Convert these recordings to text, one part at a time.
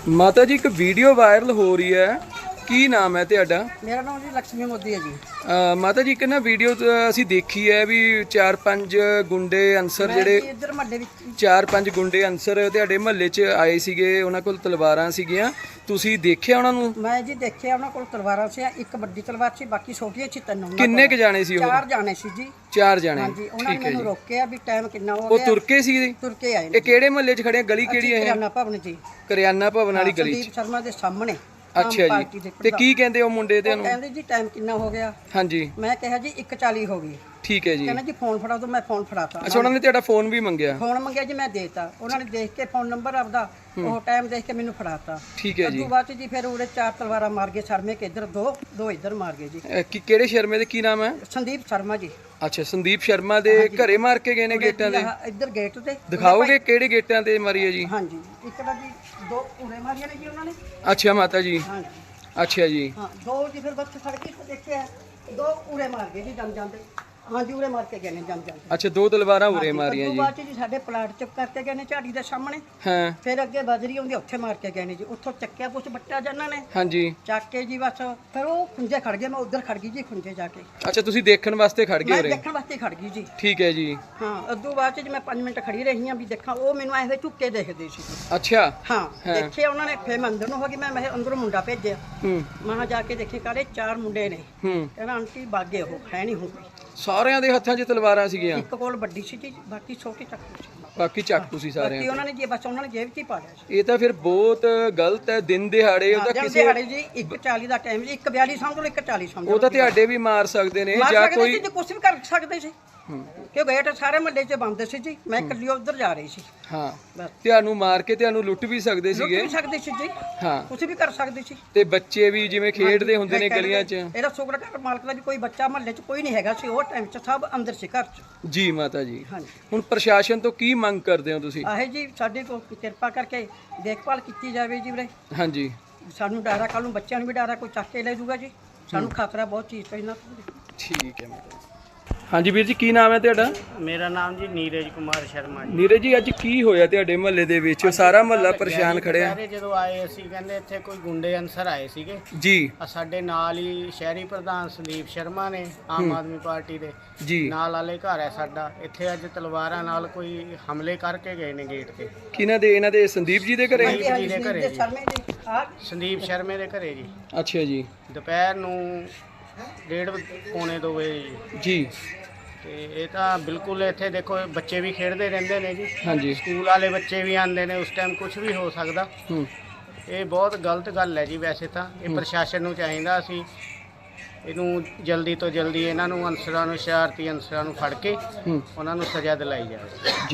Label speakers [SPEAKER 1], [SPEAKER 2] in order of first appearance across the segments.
[SPEAKER 1] ਮਾਤਾ ਜੀ ਇੱਕ ਵੀਡੀਓ ਵਾਇਰਲ ਹੋ ਰਹੀ ਹੈ, ਕੀ ਨਾਮ ਹੈ ਤੁਹਾਡਾ?
[SPEAKER 2] ਮੇਰਾ ਨਾਮ ਜੀ ਲక్ష్ਮੀ ਮੋਦੀ ਹੈ ਜੀ।
[SPEAKER 1] ਮਾਤਾ ਜੀ ਇੱਕ ਨਾ ਵੀਡੀਓ ਅਸੀਂ ਦੇਖੀ ਹੈ ਵੀ 4-5 ਗੁੰਡੇ ਅਨਸਰ ਜਿਹੜੇ
[SPEAKER 2] ਇੱਧਰ ਮੱਲੇ ਵਿੱਚ
[SPEAKER 1] 4-5 ਗੁੰਡੇ ਅਨਸਰ ਤੁਹਾਡੇ ਮਹੱਲੇ 'ਚ ਆਏ ਸੀਗੇ, ਉਹਨਾਂ ਕੋਲ ਤਲਵਾਰਾਂ ਸੀਗੀਆਂ, ਤੁਸੀਂ ਦੇਖਿਆ ਉਹਨਾਂ ਨੂੰ?
[SPEAKER 2] ਮੈਂ ਜੀ ਦੇਖਿਆ ਉਹਨਾਂ ਕੋਲ ਤਲਵਾਰਾਂ ਸੀ, ਇੱਕ ਵੱਡੀ ਤਲਵਾਰ ਸੀ, ਬਾਕੀ ਛੋਟੀਆਂ ਸੀ ਤਿੰਨ।
[SPEAKER 1] ਕਿੰਨੇ ਕ ਜਾਣੇ ਸੀ ਉਹ?
[SPEAKER 2] 4 ਜਾਣੇ ਸੀ ਜੀ।
[SPEAKER 1] 4 ਜਾਣੇ।
[SPEAKER 2] ਹਾਂਜੀ, ਉਹਨਾਂ ਨੇ ਮੈਨੂੰ ਰੋਕਿਆ ਵੀ ਟਾਈਮ ਕਿੰਨਾ ਹੋ
[SPEAKER 1] ਉਹ
[SPEAKER 2] ਗਿਆ।
[SPEAKER 1] ਤੁਰ ਕੇ ਸੀ?
[SPEAKER 2] ਤੁਰ ਕੇ ਆਏ ਨੇ।
[SPEAKER 1] ਇਹ ਕਿਹੜੇ ਮਹੱਲੇ 'ਚ ਖੜੇ? ਗਲੀ ਕਿਹੜੀ ਹੈ?
[SPEAKER 2] ਕਰਿਆਨਾ ਭਵਨ ਜੀ।
[SPEAKER 1] ਕਰਿਆਨਾ ਭਵਨ ਵਾਲੀ ਗਲੀ 'ਚ।
[SPEAKER 2] ਸੰਦੀਪ ਸ਼ਰਮਾ ਦੇ ਸਾਹਮਣੇ।
[SPEAKER 1] ਅੱਛਾ ਜੀ, ਤੇ ਕੀ ਕਹਿੰਦੇ ਉਹ ਮੁੰਡੇ ਤੇ?
[SPEAKER 2] ਕਹਿੰਦੇ ਜੀ ਟਾਈਮ ਕਿੰਨਾ ਹੋ ਗਿਆ।
[SPEAKER 1] ਹਾਂਜੀ,
[SPEAKER 2] ਮੈਂ ਕਿਹਾ ਜੀ 1:40 ਹੋ ਗਈ।
[SPEAKER 1] ਠੀਕ ਹੈ ਜੀ।
[SPEAKER 2] ਕਹਿੰਦਾ ਜੀ ਫੋਨ ਫੜਾ ਦੋ, ਮੈਂ ਫੋਨ ਫੜਾਤਾ।
[SPEAKER 1] ਅੱਛਾ, ਉਹਨਾਂ ਨੇ ਤੁਹਾਡਾ ਫੋਨ ਵੀ ਮੰਗਿਆ?
[SPEAKER 2] ਫੋਨ ਮੰਗਿਆ ਜੀ, ਮੈਂ ਦੇਤਾ। ਉਹਨਾਂ ਨੇ ਦੇਖ ਕੇ ਫੋਨ ਨੰਬਰ ਆਪਦਾ ਉਹ ਟਾਈਮ ਦੇਖ ਕੇ ਮੈਨੂੰ ਫੜਾਤਾ।
[SPEAKER 1] ਠੀਕ ਹੈ ਜੀ।
[SPEAKER 2] ਉਸ ਤੋਂ ਬਾਅਦ ਜੀ ਫਿਰ ਉਹਦੇ 4 ਤਲਵਾਰਾਂ ਮਾਰ ਗਏ ਸ਼ਰਮੇ ਕੇ ਇੱਧਰ, ਦੋ ਇੱਧਰ ਮਾਰ ਗਏ ਜੀ।
[SPEAKER 1] ਕਿਹੜੇ ਸ਼ਰਮੇ ਦੇ ਕੀ ਨਾਮ ਹੈ?
[SPEAKER 2] ਸੰਦੀਪ ਸ਼ਰਮਾ ਜੀ।
[SPEAKER 1] ਅੱਛਾ, ਸੰਦੀਪ ਸ਼ਰਮਾ ਦੇ ਘਰੇ ਮਾਰ ਕੇ ਗਏ ਨੇ ਗੇਟਾਂ ਦੇ?
[SPEAKER 2] ਇੱਧਰ ਗੇਟ ਤੇ।
[SPEAKER 1] ਦਿਖਾਓਗੇ ਕਿਹੜੇ ਗੇਟਾਂ ਤੇ ਮਾਰੀ ਹੈ ਜੀ?
[SPEAKER 2] ਹਾਂਜੀ, ਇੱਕ ਦਾ ਜੀ 2 ਉਰੇ ਮਾਰੀਆਂ ਨੇ ਜੀ ਉਹਨਾਂ ਨੇ।
[SPEAKER 1] ਅੱਛਾ ਮਾਤਾ ਜੀ।
[SPEAKER 2] ਹਾਂਜੀ,
[SPEAKER 1] ਅੱਛਾ ਜੀ।
[SPEAKER 2] ਹਾਂ 2 ਜੀ ਫਿਰ ਬੱਚੇ ਫੜ ਕੇ ਦੇਖਿਆ, 2 ਉਰੇ ਮਾਰ ਗਏ ਜੀ ਜੰਮ ਜਾਂਦੇ। ਹਾਂਜੀ, ਉਰੇ ਮਾਰ ਕੇ ਗਏ ਨੇ ਜੰਮ ਜਾਂਦੇ।
[SPEAKER 1] ਅੱਛਾ, 2 ਤਲਵਾਰਾਂ ਉਰੇ ਮਾਰੀਆਂ ਜੀ।
[SPEAKER 2] ਬਾਅਦ ਜੀ ਸਾਡੇ ਪਲਾਟ ਚੁੱਕ ਕਰਕੇ ਗਏ ਨੇ ਝਾੜੀ ਦੇ ਸਾਹਮਣੇ।
[SPEAKER 1] ਹਾਂ,
[SPEAKER 2] ਫਿਰ ਅੱਗੇ ਬਜਰੀ ਆਉਂਦੀ ਉੱਥੇ ਮਾਰ ਕੇ ਗਏ ਨੇ ਜੀ। ਉੱਥੋਂ ਚੱਕਿਆ ਕੁਛ ਬੱਟਾ ਜਨਾਂ ਨੇ,
[SPEAKER 1] ਹਾਂਜੀ।
[SPEAKER 2] ਚੱਕ ਕੇ ਜੀ ਬਸ ਫਿਰ ਉਹ ਖੁੰਝੇ ਖੜ ਗਏ। ਮੈਂ ਉੱਧਰ ਖੜ ਗਈ ਜੀ ਖੁੰਝੇ ਜਾ ਕੇ।
[SPEAKER 1] ਅੱਛਾ, ਤੁਸੀਂ ਦੇਖਣ ਵਾਸਤੇ ਖੜ ਗਏ
[SPEAKER 2] ਮੈਂ
[SPEAKER 1] ਉਰੇ?
[SPEAKER 2] ਦੇਖਣ ਵਾਸਤੇ ਖੜ ਗਈ ਜੀ।
[SPEAKER 1] ਠੀਕ ਹੈ ਜੀ।
[SPEAKER 2] ਹਾਂ, ਉਦੋਂ ਬਾਅਦ ਚ ਜੀ ਮੈਂ 5 ਮਿੰਟ ਖੜੀ ਰਹੀ ਹਾਂ ਵੀ ਦੇਖਾਂ। ਉਹ ਮੈਨੂੰ ਐਵੇਂ ਝੁੱਕ ਕੇ ਦੇਖਦੇ ਸੀ।
[SPEAKER 1] ਅੱਛਾ।
[SPEAKER 2] ਹਾਂ, ਦੇਖਿਆ ਉਹਨਾਂ ਨੇ। ਫਿਰ ਮੈਂ ਅੰਦਰ ਨੂੰ ਹੋ ਗਈ। ਮੈਂ ਅੰਦਰੋਂ ਮੁੰਡਾ ਭੇਜਿਆ।
[SPEAKER 1] ਹੂੰ
[SPEAKER 2] ਮਾਂ ਜਾ ਕੇ ਦੇਖੇ ਕਾਲੇ 4 ਮੁੰਡੇ ਨੇ।
[SPEAKER 1] ਹੂੰ।
[SPEAKER 2] ਕਹਿੰਦਾ ਆਂਟੀ ਬਾਗੇ ਉਹ ਹੈ ਨਹੀਂ ਹੁਣ ਕੋਈ।
[SPEAKER 1] ਸਾਰਿਆਂ ਦੇ ਹੱਥਾਂ 'ਚ ਤਲਵਾਰਾਂ ਸੀਗੀਆਂ?
[SPEAKER 2] ਇੱਕ ਕੋਲ ਵੱਡੀ ਸੀ ਜੀ, ਬਾਕੀ ਛੋਟੀ ਚੱਕੂ ਸੀ।
[SPEAKER 1] ਬਾਕੀ ਚਾਕੂ ਸੀ ਸਾਰਿਆਂ
[SPEAKER 2] ਬਾਕੀ ਉਹਨਾਂ ਨੇ ਜੀ ਬਸ ਉਹਨਾਂ ਨੇ ਜੇਬ 'ਚ ਹੀ ਪਾ ਲਿਆ ਸੀ।
[SPEAKER 1] ਇਹ ਤਾਂ ਫਿਰ ਬਹੁਤ ਗਲਤ ਹੈ। ਦਿਨ ਦਿਹਾੜੇ ਉਹਦਾ
[SPEAKER 2] ਜਦ
[SPEAKER 1] ਕਿਸੇ
[SPEAKER 2] ਦਿਹਾੜੇ ਜੀ 1:40 ਦਾ ਟਾਈਮ ਜੀ। 1:42 ਸਮਝ ਲਓ, 1:40 ਸਮਝ ਲਓ।
[SPEAKER 1] ਉਹ ਤਾਂ ਤੁਹਾਡੇ ਵੀ ਮਾਰ ਸਕਦੇ ਨੇ ਜਾਂ ਕੋਈ
[SPEAKER 2] ਕੁਝ ਵੀ ਕਰ ਸਕਦੇ ਸੀ। ਕਿਉਂ ਗੇਟ ਸਾਰੇ ਮੱਲੇ 'ਚ ਬੰਦ ਸੀ ਜੀ। ਮੈਂ ਇਕੱਲੀ ਉੱਧਰ ਜਾ ਰਹੀ ਸੀ।
[SPEAKER 1] ਹਾਂ,
[SPEAKER 2] ਬਸ
[SPEAKER 1] ਤੁਹਾਨੂੰ ਮਾਰ ਕੇ ਤੁਹਾਨੂੰ ਲੁੱਟ ਵੀ ਸਕਦੇ
[SPEAKER 2] ਲੁੱਟ
[SPEAKER 1] ਸੀਗੇ।
[SPEAKER 2] ਵੀ ਸਕਦੇ ਸੀ ਜੀ।
[SPEAKER 1] ਹਾਂ,
[SPEAKER 2] ਕੁਝ ਵੀ ਕਰ ਸਕਦੇ ਸੀ।
[SPEAKER 1] ਤੇ ਬੱਚੇ ਵੀ ਜਿਵੇਂ ਖੇਡਦੇ ਹੁੰਦੇ ਨੇ ਗਲੀਆਂ 'ਚ।
[SPEAKER 2] ਇਹਦਾ ਸ਼ੁਕਰ ਕਰ ਮਾਲਕ ਦਾ ਵੀ ਕੋਈ ਬੱਚਾ ਮਹੱਲੇ 'ਚ ਕੋਈ ਨਹੀਂ ਹੈਗਾ ਸੀ। ਉਹ ਟਾਈਮ 'ਚ ਸਭ ਅੰਦਰ ਸੀ ਘਰ 'ਚ।
[SPEAKER 1] ਜੀ ਮਾਤਾ ਜੀ।
[SPEAKER 2] ਹਾਂਜੀ,
[SPEAKER 1] ਹੁਣ ਪ੍ਰਸ਼ਾਸਨ ਤੋਂ ਕੀ ਮੰਗ ਕਰਦੇ ਹੋ ਤੁਸੀਂ?
[SPEAKER 2] ਆਹੇ ਜੀ ਸਾਡੇ ਕੋਲ ਕਿਰਪਾ ਕਰਕੇ ਦੇਖਭਾਲ ਕੀਤੀ ਜਾਵੇ ਜੀ ਵੀਰੇ।
[SPEAKER 1] ਹਾਂਜੀ,
[SPEAKER 2] ਸਾਨੂੰ ਡਰ ਆ, ਕੱਲ ਨੂੰ ਬੱਚਿਆਂ ਨੂੰ ਵੀ ਡਰ ਆ, ਕੋਈ ਚੱਕ ਕੇ ਲੈ ਜਾਊਗਾ ਜੀ। ਸਾਨੂੰ ਖਤਰਾ ਬਹੁਤ ਚੀਜ਼ ਤੋਂ ਇਹਨਾਂ ਤੋਂ।
[SPEAKER 1] ਠੀਕ ਹੈ ਮਾਤਾ ਜੀ। ਹਾਂਜੀ ਵੀਰ ਜੀ, ਕੀ ਨਾਮ ਹੈ ਤੁਹਾਡਾ?
[SPEAKER 3] ਮੇਰਾ ਨਾਮ ਜੀ ਨੀਰਜ ਕੁਮਾਰ ਸ਼ਰਮਾ ਜੀ।
[SPEAKER 1] ਨੀਰਜ ਜੀ, ਅੱਜ ਕੀ ਹੋਇਆ ਤੁਹਾਡੇ ਮਹੱਲੇ ਦੇ ਵਿੱਚ? ਸਾਰਾ ਮਹੱਲਾ ਪਰੇਸ਼ਾਨ ਖੜਿਆ।
[SPEAKER 3] ਸਾਰੇ ਜਦੋਂ ਆਏ ਅਸੀਂ ਕਹਿੰਦੇ ਇੱਥੇ ਕੋਈ ਗੁੰਡੇ ਅਨਸਰ ਆਏ ਸੀਗੇ
[SPEAKER 1] ਜੀ
[SPEAKER 3] ਸਾਡੇ ਨਾਲ ਹੀ। ਸ਼ਹਿਰੀ ਪ੍ਰਧਾਨ ਸੰਦੀਪ ਸ਼ਰਮਾ ਨੇ, ਆਮ ਆਦਮੀ ਪਾਰਟੀ ਦੇ
[SPEAKER 1] ਜੀ।
[SPEAKER 3] ਨਾਲ ਵਾਲੇ ਘਰ ਹੈ ਸਾਡਾ। ਇੱਥੇ ਅੱਜ ਤਲਵਾਰਾਂ ਨਾਲ ਕੋਈ ਹਮਲੇ ਕਰਕੇ ਗਏ ਨੇ ਗੇਟ ਤੇ।
[SPEAKER 1] ਕਿਹਨਾਂ ਦੇ? ਇਹਨਾਂ ਦੇ ਸੰਦੀਪ ਜੀ ਦੇ ਘਰੇ?
[SPEAKER 3] ਸੰਦੀਪ ਜੀ ਦੇ ਘਰੇ ਜੀ।
[SPEAKER 2] ਸ਼ਰਮੇ ਜੀ। ਆਹ
[SPEAKER 3] ਸੰਦੀਪ ਸ਼ਰਮੇ ਦੇ ਘਰੇ ਜੀ।
[SPEAKER 1] ਅੱਛਾ ਜੀ।
[SPEAKER 3] ਦੁਪਹਿਰ ਨੂੰ 1:30 ਵਜੇ ਜੀ। ਤੇ ਇਹ ਤਾਂ ਬਿਲਕੁਲ ਇੱਥੇ ਦੇਖੋ ਬੱਚੇ ਵੀ ਖੇਡਦੇ ਰਹਿੰਦੇ ਨੇ ਜੀ।
[SPEAKER 1] ਹਾਂਜੀ।
[SPEAKER 3] ਸਕੂਲ ਵਾਲੇ ਬੱਚੇ ਵੀ ਆਉਂਦੇ ਨੇ। ਉਸ ਟਾਈਮ ਕੁਝ ਵੀ ਹੋ ਸਕਦਾ।
[SPEAKER 1] ਹੂੰ।
[SPEAKER 3] ਇਹ ਬਹੁਤ ਗਲਤ ਗੱਲ ਹੈ ਜੀ। ਵੈਸੇ ਤਾਂ ਇਹ ਪ੍ਰਸ਼ਾਸਨ ਨੂੰ ਚਾਹੀਦਾ ਸੀ ਇਹਨੂੰ ਜਲਦੀ ਤੋਂ ਜਲਦੀ ਇਹਨਾਂ ਨੂੰ ਅਨਸਰਾਂ ਨੂੰ, ਸ਼ਰਾਰਤੀ ਅਨਸਰਾਂ ਨੂੰ ਫੜ ਕੇ ਉਹਨਾਂ ਨੂੰ ਸਜ਼ਾ ਦਿਲਾਈ ਜਾਵੇ
[SPEAKER 1] ਜੀ।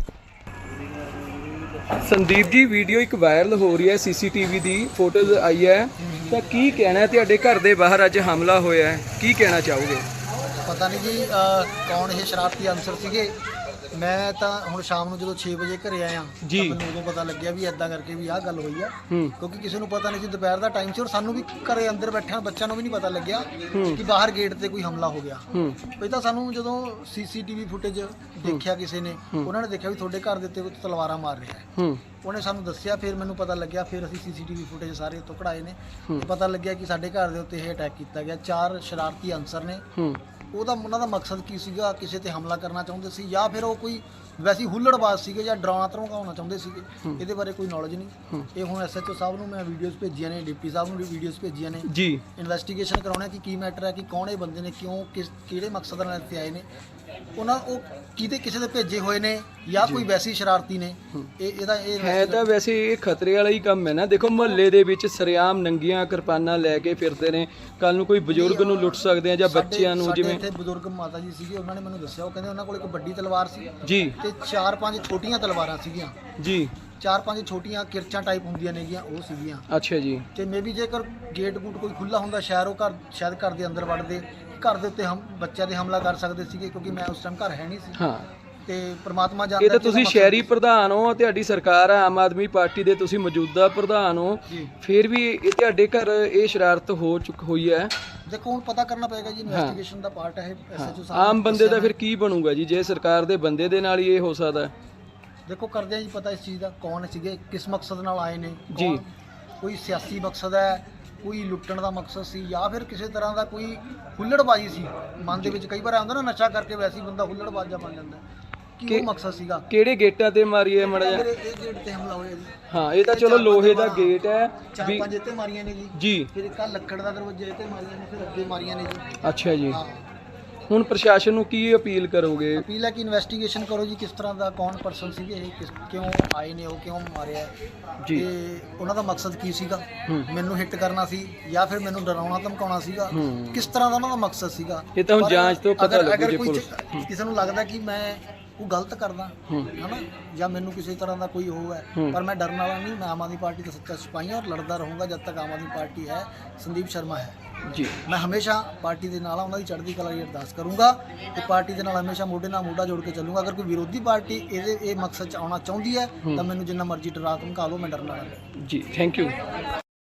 [SPEAKER 1] ਸੰਦੀਪ ਜੀ, ਵੀਡੀਓ ਇੱਕ ਵਾਇਰਲ ਹੋ ਰਹੀ ਹੈ, ਸੀਸੀਟੀਵੀ ਦੀ ਫੋਟੋਜ਼ ਆਈ ਹੈ, ਤਾਂ ਕੀ ਕਹਿਣਾ ਹੈ? ਤੁਹਾਡੇ ਘਰ ਦੇ ਬਾਹਰ ਅੱਜ ਹਮਲਾ ਹੋਇਆ ਹੈ, ਕੀ ਕਹਿਣਾ ਚਾਹੋਗੇ?
[SPEAKER 4] ਪਤਾ ਨਹੀਂ ਜੀ ਕੌਣ ਇਹ ਸ਼ਰਾਰਤੀ ਅਨਸਰ ਸੀਗੇ। ਮੈਂ ਤਾਂ ਹੁਣ ਸ਼ਾਮ ਨੂੰ ਜਦੋਂ 6 ਵਜੇ ਘਰੇ ਆਇਆ
[SPEAKER 1] ਜੀ।
[SPEAKER 4] ਤਾਂ ਮੈਨੂੰ ਉਦੋਂ ਪਤਾ ਲੱਗਿਆ ਵੀ ਐਦਾਂ ਕਰਕੇ ਵੀ ਆਹ ਗੱਲ ਹੋਈ ਆ।
[SPEAKER 1] ਹੂੰ।
[SPEAKER 4] ਕਿਉਂਕਿ ਕਿਸੇ ਨੂੰ ਪਤਾ ਨਹੀਂ ਸੀ, ਦੁਪਹਿਰ ਦਾ ਟਾਈਮ ਸੀ, ਔਰ ਸਾਨੂੰ ਵੀ ਘਰੇ ਅੰਦਰ ਬੈਠਿਆਂ ਬੱਚਿਆਂ ਨੂੰ ਵੀ ਨਹੀਂ ਪਤਾ ਲੱਗਿਆ ਕਿ ਬਾਹਰ ਗੇਟ ਤੇ ਕੋਈ ਹਮਲਾ ਹੋ ਗਿਆ।
[SPEAKER 1] ਹੂੰ।
[SPEAKER 4] ਇਹ ਤਾਂ ਸਾਨੂੰ ਜਦੋਂ ਸੀਸੀਟੀਵੀ ਫੁਟੇਜ ਦੇਖਿਆ ਕਿਸੇ ਨੇ, ਉਹਨਾਂ ਨੇ ਦੇਖਿਆ ਵੀ ਤੁਹਾਡੇ ਘਰ ਦੇ ਉੱਤੇ ਕੋਈ ਤਲਵਾਰਾਂ ਮਾਰ ਰਿਹਾ ਹੈ।
[SPEAKER 1] ਹੂੰ।
[SPEAKER 4] ਉਹਨੇ ਸਾਨੂੰ ਦੱਸਿਆ, ਫਿਰ ਮੈਨੂੰ ਪਤਾ ਲੱਗਿਆ। ਫਿਰ ਅਸੀਂ ਸੀਸੀਟੀਵੀ ਫੁਟੇਜ ਸਾਰੇ ਉੱਤੋਂ ਕਢਾਏ ਨੇ। ਪਤਾ ਲੱਗਿਆ ਕਿ ਸਾਡੇ ਘਰ ਦੇ ਉੱਤੇ ਇਹ ਅਟੈਕ ਕੀਤਾ ਗਿਆ। 4 ਸ਼ਰਾਰਤੀ ਅਨਸਰ ਨੇ।
[SPEAKER 1] ਹੂੰ।
[SPEAKER 4] ਉਹਨਾਂ ਦਾ ਮਕਸਦ ਕੀ ਸੀਗਾ? ਕਿਸੇ ਤੇ ਹਮਲਾ ਕਰਨਾ ਚਾਹੁੰਦੇ ਸੀ ਜਾਂ ਫਿਰ ਉਹ ਕੋਈ ਵੈਸੀ ਹੁੱਲੜਬਾਜ਼ ਸੀਗੇ ਜਾਂ ਡਰਾਉਣਾ ਧਮਕਾਉਣਾ ਚਾਹੁੰਦੇ ਸੀਗੇ? ਇਹਦੇ ਬਾਰੇ ਕੋਈ ਨੌਲੇਜ ਨਹੀਂ। ਇਹ ਹੁਣ ਐਸਐਚਓ ਸਾਹਿਬ ਨੂੰ ਮੈਂ ਵੀਡੀਓਜ਼ ਭੇਜੀਆਂ ਨੇ, ਡਿਪਟੀ ਸਾਹਿਬ ਨੂੰ ਵੀ ਵੀਡੀਓਜ਼ ਭੇਜੀਆਂ ਨੇ
[SPEAKER 1] ਜੀ।
[SPEAKER 4] ਇਨਵੈਸਟੀਗੇਸ਼ਨ ਕਰਾਉਣਾ ਕਿ ਕੀ ਮੈਟਰ ਹੈ, ਕਿ ਕੌਣ ਇਹ ਬੰਦੇ ਨੇ, ਕਿਉਂ ਕਿਹੜੇ ਮਕਸਦ ਨਾਲ ਇੱਥੇ ਆਏ ਨੇ, ਉਹ ਕਿਤੇ ਕਿਸੇ ਦੇ ਭੇਜੇ ਹੋਏ ਨੇ ਜਾਂ ਕੋਈ ਵੈਸੀ ਸ਼ਰਾਰਤੀ ਨੇ। ਇਹਦਾ
[SPEAKER 1] ਹੈ ਤਾਂ ਵੈਸੇ ਇਹ ਖਤਰੇ ਵਾਲਾ ਹੀ ਕੰਮ ਹੈ ਨਾ। ਦੇਖੋ ਮੁਹੱਲੇ ਦੇ ਵਿੱਚ ਸਰਿਆਮ ਨੰਗੀਆਂ ਕਿਰਪਾਨਾਂ ਲੈ ਕੇ ਫਿਰਦੇ ਨੇ, ਕੱਲ ਨੂੰ ਕੋਈ ਬਜ਼ੁਰਗ ਨੂੰ ਲੁੱਟ ਸਕਦੇ ਆ ਜਾਂ ਬੱਚਿਆਂ ਨੂੰ। ਜਿਵੇਂ
[SPEAKER 4] ਇੱਥੇ ਬਜ਼ੁਰਗ ਮਾਤਾ ਜੀ ਸੀਗੇ, ਉਹਨਾਂ ਨੇ ਮੈਨੂੰ ਦੱਸਿਆ, ਉਹ ਕਹਿੰਦੇ ਉਹਨਾਂ ਕੋਲ ਇੱਕ ਵੱਡੀ ਤਲਵਾਰ ਸੀ
[SPEAKER 1] ਜੀ
[SPEAKER 4] ਤੇ 4-5 ਛੋਟੀਆਂ ਤਲਵਾਰਾਂ ਸੀਗੀਆਂ
[SPEAKER 1] ਜੀ।
[SPEAKER 4] 4-5 ਛੋਟੀਆਂ ਕਿਰਚਾਂ ਟਾਈਪ ਹੁੰਦੀਆਂ ਨੇਗੀਆਂ, ਉਹ ਸੀਗੀਆਂ।
[SPEAKER 1] ਅੱਛਾ ਜੀ।
[SPEAKER 4] ਤੇ ਮੇਬੀ ਜੇਕਰ ਗੇਟ ਗੂਟ ਕੋਈ ਖੁੱਲਾ ਹੁੰਦਾ ਸ਼ਾਇਦ ਘਰ ਦੇ ਅੰਦਰ ਵੜਦੇ, ਘਰ ਦੇ ਉੱਤੇ ਬੱਚਿਆਂ ਦੇ ਹਮਲਾ ਕਰ ਸਕਦੇ ਸੀਗੇ, ਕਿਉਂਕਿ ਮੈਂ ਉਸ ਟਾਈਮ ਘਰ ਹੈ ਨਹੀਂ ਸੀ।
[SPEAKER 1] ਹਾਂ।
[SPEAKER 4] ਤੇ ਪ੍ਰਮਾਤਮਾ ਜਾਣਦਾ।
[SPEAKER 1] ਇਹ ਤਾਂ ਤੁਸੀਂ ਸ਼ਹਿਰੀ ਪ੍ਰਧਾਨ ਹੋ, ਤੁਹਾਡੀ ਸਰਕਾਰ ਹੈ ਆਮ ਆਦਮੀ ਪਾਰਟੀ ਦੇ, ਤੁਸੀਂ ਮੌਜੂਦਾ ਪ੍ਰਧਾਨ ਹੋ, ਫਿਰ ਵੀ ਇਹ ਤੁਹਾਡੇ ਘਰ ਇਹ ਸ਼ਰਾਰਤ ਹੋਈ ਹੈ।
[SPEAKER 4] ਦੇਖੋ ਹੁਣ ਪਤਾ ਕਰਨਾ ਪਏਗਾ ਜੀ, ਇਨਵੈਸਟੀਗੇਸ਼ਨ ਦਾ ਪਾਰਟ ਹੈ ਐਸਐਚਓ ਸਾਹਿਬ।
[SPEAKER 1] ਆਮ ਬੰਦੇ ਦਾ ਫਿਰ ਕੀ ਬਣੂਗਾ ਜੀ ਜੇ ਸਰਕਾਰ ਦੇ ਬੰਦੇ ਦੇ ਨਾਲ ਹੀ ਇਹ ਹੋ ਸਕਦਾ?
[SPEAKER 4] ਦੇਖੋ ਕਰਦੇ ਆ ਜੀ ਪਤਾ ਇਸ ਚੀਜ਼ ਦਾ ਕੌਣ ਸੀਗੇ, ਕਿਸ ਮਕਸਦ ਨਾਲ ਆਏ ਨੇ
[SPEAKER 1] ਜੀ।
[SPEAKER 4] ਕੌਣ, ਕੋਈ ਸਿਆਸੀ ਮਕਸਦ ਹੈ, ਕੋਈ ਲੁੱਟਣ ਦਾ ਮਕਸਦ ਸੀ, ਜਾਂ ਫਿਰ ਕਿਸੇ ਤਰ੍ਹਾਂ ਦਾ ਕੋਈ ਹੁੱਲੜਬਾਜ਼ੀ ਸੀ ਮਨ ਦੇ ਵਿੱਚ। ਕਈ ਵਾਰ ਆਉਂਦਾ ਨਾ ਨਸ਼ਾ ਕਰਕੇ ਵੈਸੇ ਹੀ ਬੰਦਾ ਹੁੱਲੜਬਾਜ਼ਾ ਬਣ ਜਾਂਦਾ ਹੈ। ਕੀ ਉਹ ਮਕਸਦ ਸੀਗਾ?
[SPEAKER 1] ਕਿਹੜੇ ਗੇਟਾਂ ਤੇ ਮਾਰੀ ਹੈ ਮੜਾ ਜਾ?
[SPEAKER 4] ਇਹ ਗੇਟ ਤੇ ਹਮਲਾ ਹੋਇਆ ਜੀ।
[SPEAKER 1] ਹਾਂ ਇਹ ਤਾਂ ਚਲੋ ਲੋਹੇ ਦਾ ਗੇਟ ਹੈ
[SPEAKER 4] ਚਾਰ
[SPEAKER 1] ਵੀ।
[SPEAKER 4] ਪੰਜ ਇੱਥੇ ਮਾਰੀਆਂ ਨੇ ਜੀ,
[SPEAKER 1] ਜੀ
[SPEAKER 4] ਫਿਰ ਇੱਕ ਆਹ ਲੱਕੜ ਦਾ ਦਰਵਾਜ਼ਾ ਇੱਥੇ ਮਾਰੀਆਂ ਨੇ, ਫਿਰ ਅੱਗੇ ਮਾਰੀਆਂ ਨੇ ਜੀ।
[SPEAKER 1] ਅੱਛਾ ਜੀ।
[SPEAKER 4] ਹਾਂ,
[SPEAKER 1] ਹੁਣ ਪ੍ਰਸ਼ਾਸਨ ਨੂੰ ਕੀ ਅਪੀਲ ਕਰੋਗੇ?
[SPEAKER 4] ਅਪੀਲ ਹੈ ਕਿ ਇਨਵੈਸਟੀਗੇਸ਼ਨ ਕਰੋ ਜੀ, ਕਿਸ ਤਰ੍ਹਾਂ ਦਾ ਕੌਣ ਪਰਸਨ ਸੀਗੇ ਇਹ, ਕਿਉਂ ਆਏ ਨੇ, ਉਹ ਕਿਉਂ ਮਾਰਿਆ
[SPEAKER 1] ਜੀ।
[SPEAKER 4] ਤੇ ਉਹਨਾਂ ਦਾ ਮਕਸਦ ਕੀ ਸੀਗਾ? ਮੈਨੂੰ ਹਿੱਟ ਕਰਨਾ ਸੀ ਜਾਂ ਫਿਰ ਮੈਨੂੰ ਡਰਾਉਣਾ ਧਮਕਾਉਣਾ ਸੀਗਾ? ਕਿਸ ਤਰ੍ਹਾਂ ਦਾ ਉਹਨਾਂ ਦਾ ਮਕਸਦ ਸੀਗਾ?
[SPEAKER 1] ਇਹ ਤਾਂ ਹੁਣ
[SPEAKER 4] ਪਰ
[SPEAKER 1] ਜਾਂਚ ਤੋਂ ਪਤਾ ਲੱਗੂ
[SPEAKER 4] ਅਗਰ
[SPEAKER 1] ਜੀ
[SPEAKER 4] ਕੋਈ
[SPEAKER 1] ਪੁਲਿਸ।
[SPEAKER 4] ਕਿਸੇ ਨੂੰ ਲੱਗਦਾ ਕਿ ਮੈਂ ਉਹ ਗਲਤ ਕਰਦਾ ਹਨਾ, ਜਾਂ ਮੈਨੂੰ ਕਿਸੇ ਤਰ੍ਹਾਂ ਦਾ ਕੋਈ ਉਹ ਹੈ, ਪਰ ਮੈਂ ਡਰਨ ਵਾਲਾ ਨਹੀਂ। ਮੈਂ ਆਮ ਆਦਮੀ ਪਾਰਟੀ ਦਾ ਸੱਚਾ ਸਿਪਾਹੀ ਹਾਂ ਔਰ ਲੜਦਾ ਰਹੂੰਗਾ ਜਦ ਤੱਕ ਆਮ ਆਦਮੀ ਪਾਰਟੀ ਹੈ, ਸੰਦੀਪ ਸ਼ਰਮਾ ਹੈ
[SPEAKER 1] ਜੀ।
[SPEAKER 4] ਮੈਂ ਹਮੇਸ਼ਾ ਪਾਰਟੀ ਦੇ ਨਾਲ ਉਹਨਾਂ ਦੀ ਚੜ੍ਹਦੀ ਕਲਾ ਦੀ ਅਰਦਾਸ ਕਰੂੰਗਾ ਤੇ ਪਾਰਟੀ ਦੇ ਨਾਲ ਹਮੇਸ਼ਾ ਮੋਢੇ ਨਾਲ ਮੋਢਾ ਜੋੜ ਕੇ ਚੱਲੂੰਗਾ। ਅਗਰ ਕੋਈ ਵਿਰੋਧੀ ਪਾਰਟੀ ਇਹ ਮਕਸਦ 'ਚ ਆਉਣਾ ਚਾਹੁੰਦੀ ਹੈ ਤਾਂ ਮੈਨੂੰ ਜਿੰਨਾ ਮਰਜ਼ੀ ਡਰਾ ਧਮਕਾ ਲਓ, ਮੈਂ ਡਰਨ ਵਾਲਾ ਨਹੀਂ।
[SPEAKER 1] ਜੀ ਥੈਂਕ ਯੂ।